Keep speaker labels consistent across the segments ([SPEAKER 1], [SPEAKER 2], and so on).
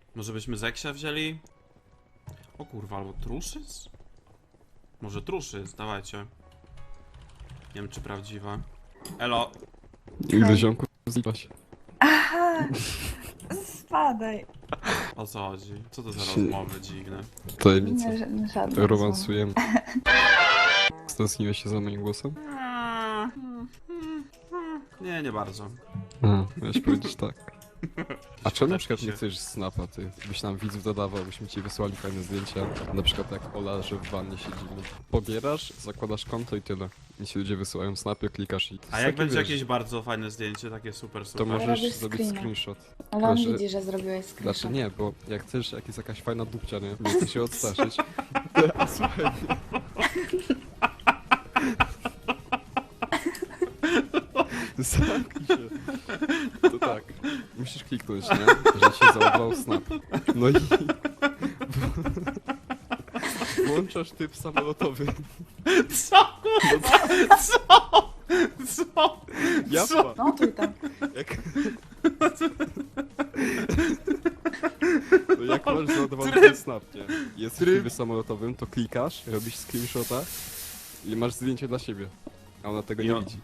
[SPEAKER 1] Może byśmy Zeksia wzięli? O kurwa, albo Truszyc? Może Truszyc, dawajcie. Nie wiem czy prawdziwa. Elo.
[SPEAKER 2] Ile ziomków zlipa się.
[SPEAKER 3] Aha! Spadaj.
[SPEAKER 1] O co chodzi? Co to za
[SPEAKER 2] Się-
[SPEAKER 1] rozmowy dziwne?
[SPEAKER 2] Tajemnica.
[SPEAKER 3] Nie, żadne
[SPEAKER 2] Romansujemy. Stęskniłeś się za moim głosem?
[SPEAKER 1] Nie, nie bardzo.
[SPEAKER 2] Miałeś powiedzieć tak. A czemu na
[SPEAKER 1] Tak
[SPEAKER 2] przykład
[SPEAKER 1] się-
[SPEAKER 2] nie chcesz snapa, ty? Byś nam widzów dodawał, byśmy ci wysłali fajne zdjęcia. Na przykład jak Ola, że w wannie siedzimy. Pobierasz, zakładasz konto i tyle. I ci ludzie wysyłają snapy, klikasz i... to
[SPEAKER 1] A
[SPEAKER 2] jest
[SPEAKER 1] jak
[SPEAKER 2] takie,
[SPEAKER 1] będzie
[SPEAKER 2] wiesz,
[SPEAKER 1] jakieś bardzo fajne zdjęcie, takie super,
[SPEAKER 2] to
[SPEAKER 1] super.
[SPEAKER 2] możesz
[SPEAKER 3] Robisz
[SPEAKER 2] zrobić
[SPEAKER 3] screena.
[SPEAKER 2] screenshot.
[SPEAKER 3] Ale on
[SPEAKER 2] Znaczy-
[SPEAKER 3] widzi, że zrobiłeś
[SPEAKER 2] Znaczy
[SPEAKER 3] screenshot.
[SPEAKER 2] nie, bo jak chcesz, jak jest jakaś fajna dupcia, nie? Nie chcesz się odstraszyć. A słuchaj. Zamknij się. To tak. Musisz kliknąć, nie? Że ci się załadował snap. No i... Włączasz typ samolotowy.
[SPEAKER 1] Co? Co? Co?
[SPEAKER 2] Japa.
[SPEAKER 3] No tu i tam.
[SPEAKER 2] Jak... To jak masz załadowany ten snap, nie? Jest w trybie samolotowym, to klikasz, robisz screenshota i masz zdjęcie dla siebie. A ona tego nie
[SPEAKER 1] on-
[SPEAKER 2] widzi.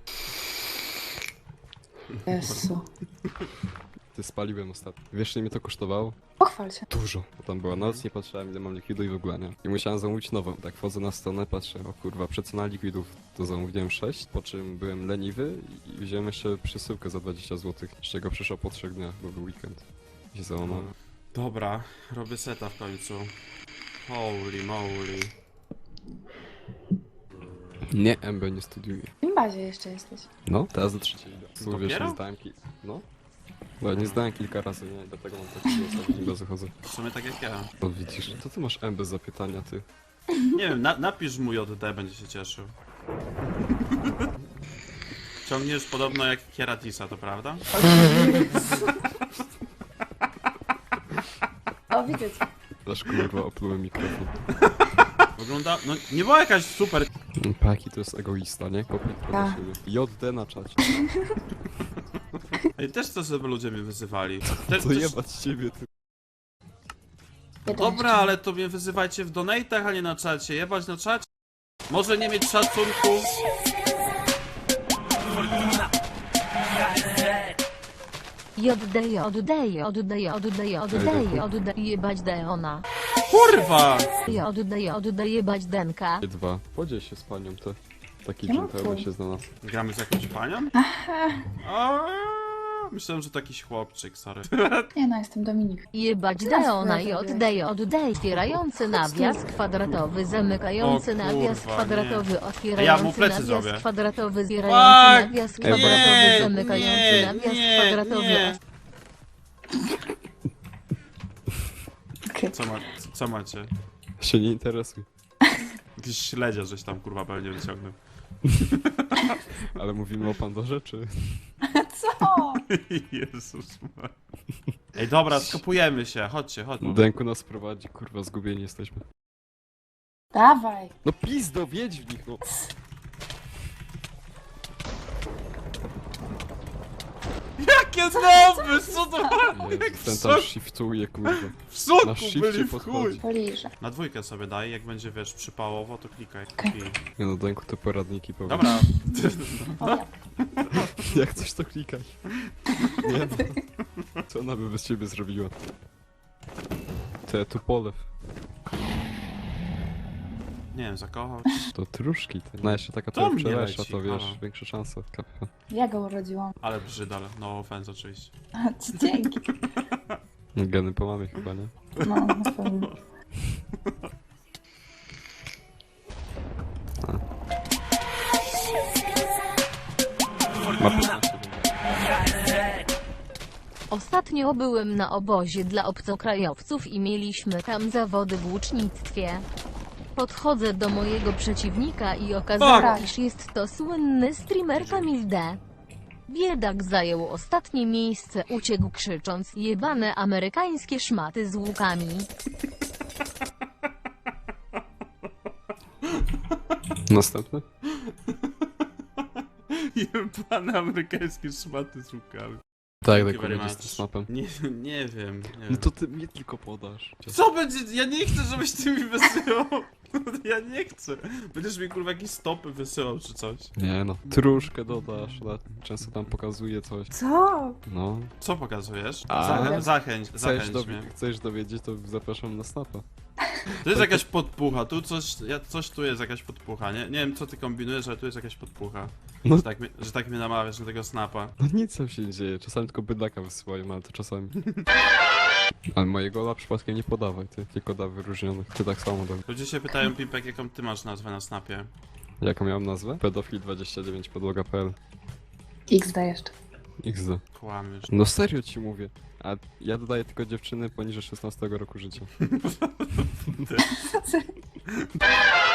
[SPEAKER 3] Jezu.
[SPEAKER 2] Ty spaliłem ostatnio. Wiesz, ile mnie to kosztowało?
[SPEAKER 3] Pochwal się.
[SPEAKER 2] Dużo. Bo tam była noc, nie patrzyłem ile mam likwidu i w ogóle nie. I musiałem zamówić nową. Tak wchodzę na stronę, patrzę, o kurwa, przecena likwidów. To zamówiłem 6, po czym byłem leniwy i wziąłem jeszcze przesyłkę za 20 zł, z czego przyszło po 3 dniach, bo był weekend. I się załamałem.
[SPEAKER 1] Dobra, robię seta w końcu. Holy moly.
[SPEAKER 2] Nie, MB nie studiuję.
[SPEAKER 3] W tym bazie jeszcze jesteś.
[SPEAKER 2] No, teraz do trzeciej idę. Słuchaj, wiesz,
[SPEAKER 1] Dopiero?
[SPEAKER 2] nie zdałem No. Bo ja nie zdałem kilka razy, nie? Dlatego mam taki ostatni bez chodzę.
[SPEAKER 1] W sumie tak jak ja.
[SPEAKER 2] No widzisz, to ty masz MB zapytania, ty.
[SPEAKER 1] Nie wiem, napisz mu JD, będzie się cieszył. Ciągniesz podobno jak Kieratisa, to prawda?
[SPEAKER 3] O, widzę cię.
[SPEAKER 2] Aż kurwa oplułem mikrofon.
[SPEAKER 1] Wygląda... No nie była jakaś super...
[SPEAKER 2] Paki to jest egoista, nie? Kopię do
[SPEAKER 3] Tak.
[SPEAKER 2] siebie. JD na czacie.
[SPEAKER 1] Ej, też chcę, żeby ludzie mnie wyzywali.
[SPEAKER 2] To jebać ciebie, ty.
[SPEAKER 3] Jeden
[SPEAKER 1] Dobra, ale to mnie wyzywajcie w donatach, a nie na czacie. Jebać na czacie? Może nie mieć szacunku?
[SPEAKER 4] Jebać Deona.
[SPEAKER 1] Kurwa!
[SPEAKER 4] Jebać Denka.
[SPEAKER 2] Dwa. Podziel się z panią, to. Taki
[SPEAKER 3] Ja mam
[SPEAKER 2] dżentelmen
[SPEAKER 3] twój.
[SPEAKER 2] się znalazł.
[SPEAKER 1] Gramy z jakąś panią? Myślałem, że to jakiś chłopczyk, sorry.
[SPEAKER 3] Nie no, jestem Dominik.
[SPEAKER 4] Jebać
[SPEAKER 3] Teraz
[SPEAKER 4] Deona
[SPEAKER 3] wyobraź.
[SPEAKER 4] otwierający nawias kwadratowy, zamykający
[SPEAKER 1] O
[SPEAKER 4] nawias
[SPEAKER 1] kurwa,
[SPEAKER 4] kwadratowy,
[SPEAKER 1] Ja mu
[SPEAKER 4] otwierający
[SPEAKER 1] plecy
[SPEAKER 4] nawias
[SPEAKER 1] zrobię.
[SPEAKER 4] kwadratowy, zbierający nawias
[SPEAKER 1] Fuck!
[SPEAKER 4] kwadratowy,
[SPEAKER 1] Nie,
[SPEAKER 4] zamykający
[SPEAKER 1] nie,
[SPEAKER 4] nawias
[SPEAKER 1] nie,
[SPEAKER 4] kwadratowy.
[SPEAKER 1] nie.
[SPEAKER 3] Okej.
[SPEAKER 1] Co macie?
[SPEAKER 2] Się nie interesuj.
[SPEAKER 1] Jakiś śledzia, żeś tam kurwa pewnie wyciągnął.
[SPEAKER 2] Ale mówimy o Pandorze, czy?
[SPEAKER 3] Co?
[SPEAKER 1] Jezus Maria. Ej, dobra, skopujemy się, chodźcie.
[SPEAKER 2] Denku nas prowadzi, kurwa, zgubieni jesteśmy.
[SPEAKER 3] Dawaj.
[SPEAKER 2] No pizdo, wiedź w nich, no.
[SPEAKER 1] Jakie znowu? Co to?
[SPEAKER 2] Jezu, ten tam shiftuje, kurwa.
[SPEAKER 1] W
[SPEAKER 2] Na
[SPEAKER 1] soku
[SPEAKER 2] shifcie
[SPEAKER 1] byli w
[SPEAKER 2] podchodzi.
[SPEAKER 1] chuj.
[SPEAKER 3] Poliżę.
[SPEAKER 1] Na dwójkę sobie daj, jak będzie, wiesz, przypałowo, to klikaj.
[SPEAKER 3] Okej.
[SPEAKER 1] I...
[SPEAKER 2] Nie no, Denku to poradniki powiem.
[SPEAKER 1] Dobra.
[SPEAKER 3] O, ja.
[SPEAKER 2] Jak coś to klikaj. Nie no. Co ona by bez ciebie zrobiła? Te tu polew.
[SPEAKER 1] Nie wiem, zakochał.
[SPEAKER 2] To truszki. Te. No jeszcze taka
[SPEAKER 1] To
[SPEAKER 2] trochę
[SPEAKER 1] mnie
[SPEAKER 2] przelesza,
[SPEAKER 1] leci,
[SPEAKER 2] to wiesz,
[SPEAKER 1] halo.
[SPEAKER 2] większa szansa. Kapka.
[SPEAKER 3] Ja go urodziłam.
[SPEAKER 1] Ale brzydal, no offense oczywiście.
[SPEAKER 3] Dzięki.
[SPEAKER 2] Geny po mamie chyba, nie?
[SPEAKER 3] No, na pewno.
[SPEAKER 2] Ma 15
[SPEAKER 4] Ostatnio byłem na obozie dla obcokrajowców i mieliśmy tam zawody w łucznictwie. Podchodzę do mojego przeciwnika i okazuje
[SPEAKER 3] Fuck.
[SPEAKER 4] się, iż jest to słynny streamer Kamil D. Biedak zajął ostatnie miejsce, uciekł krzycząc jebane amerykańskie szmaty z łukami.
[SPEAKER 2] Następny?
[SPEAKER 1] Jebane amerykańskie szmaty z łukami.
[SPEAKER 2] Tak,
[SPEAKER 1] you
[SPEAKER 2] tak
[SPEAKER 1] very
[SPEAKER 2] będzie z
[SPEAKER 1] much.
[SPEAKER 2] tym snapem.
[SPEAKER 1] Nie wiem.
[SPEAKER 2] No to ty mnie tylko podasz.
[SPEAKER 1] Co będzie? Ja nie chcę, żebyś ty mi wysyłał. Ja nie chcę. Będziesz mi kurwa jakieś stopy wysyłał czy coś.
[SPEAKER 2] Nie no, tróżkę dodasz, często tam pokazuje coś.
[SPEAKER 3] Co?
[SPEAKER 2] No,
[SPEAKER 1] Co pokazujesz?
[SPEAKER 2] A.
[SPEAKER 1] Zachęć mnie.
[SPEAKER 2] chcesz dowiedzieć, to zapraszam na snapa.
[SPEAKER 1] To jest jakaś podpucha, tu coś tu jest jakaś podpucha, nie wiem co ty kombinujesz, ale tu jest jakaś podpucha.
[SPEAKER 2] No.
[SPEAKER 1] Że tak mnie namawiasz na tego snapa.
[SPEAKER 2] No nic tam się nie dzieje, czasami tylko bydlaka wysyłają, ale to czasami. Ale mojego ola przypadkiem nie podawaj, ty tylko da wyróżnionych. Ty tak samo daj.
[SPEAKER 1] Ludzie się pytają, Pimpek, jaką ty masz nazwę na snapie.
[SPEAKER 2] Jaką miałem nazwę? Pedofil29 podłoga.pl
[SPEAKER 3] XD jeszcze.
[SPEAKER 2] XD.
[SPEAKER 1] Kłamiesz.
[SPEAKER 2] No serio ci mówię. A ja dodaję tylko dziewczyny poniżej 16 roku życia.